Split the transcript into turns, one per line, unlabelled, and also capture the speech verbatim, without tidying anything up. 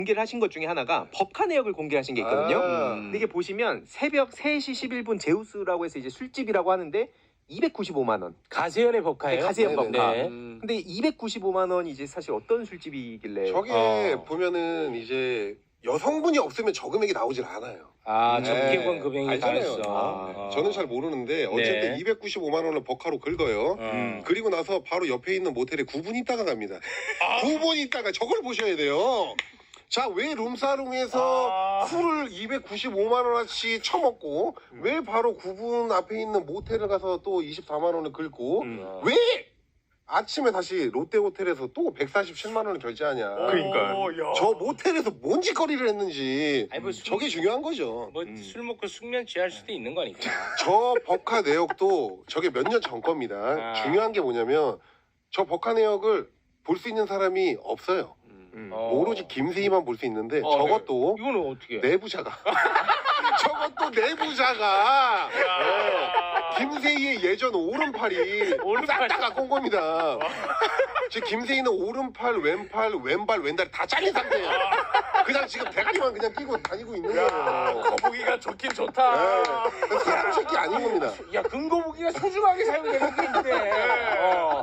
공개를 하신 것 중에 하나가 법카 내역을 공개하신 게 있거든요.
아.
근데 이게 보시면 새벽 세 시 십일 분 제우스라고 해서 이제 술집이라고 하는데 이백구십오만 원.
가세연의 법카예요?
네, 가세연
네네네.
법카.
네.
음.
근데 이백구십오만 원이 이제 사실 어떤 술집이길래?
저게
어.
보면은 이제 여성분이 없으면 저 금액이 나오질 않아요.
아,
네.
적기권 금액이
알잖아요.
다였어.
아,
어.
저는 잘 모르는데 어쨌든
네.
이백구십오만 원을 버카로 긁어요.
음.
그리고 나서 바로 옆에 있는 모텔에 구 분 있다가 갑니다. 구 분 있다가 저걸 보셔야 돼요. 자, 왜 룸사롱에서
아.
술을 이백구십오만 원어치 처먹고 왜 바로 구 분 앞에 있는 모텔을 가서 또 이십사만 원을 긁고
음.
왜 아침에 다시 롯데호텔에서 또 백사십칠만 원을 결제하냐.
그러니까.
오, 야.
저 모텔에서 뭔 짓거리를 했는지
아니, 뭐 술-
저게 중요한 거죠.
뭐
음.
술 먹고 숙면 취할 수도 있는 거니까.
저 버카 내역도 저게 몇 년 전 겁니다.
아.
중요한 게 뭐냐면 저 버카 내역을 볼 수 있는 사람이 없어요.
음.
어.
오로지 김세희만 볼 수 있는데
어,
저것도
이거는 어떻게?
내부자가 저것도 내부자가 네. 김세희의 예전 오른팔이
오른팔.
싹 다 갖고 온 겁니다. 지금 김세희는 오른팔, 왼팔, 왼발, 왼다리 다 잘린 상태예요. 그냥 지금 대가리만 그냥 끼고 다니고 있는 거예요.
거북이가 좋긴 좋다.
네. 사람 새끼 아닌 겁니다.
야, 금거북이가 소중하게 사용되는 게 있네. 어.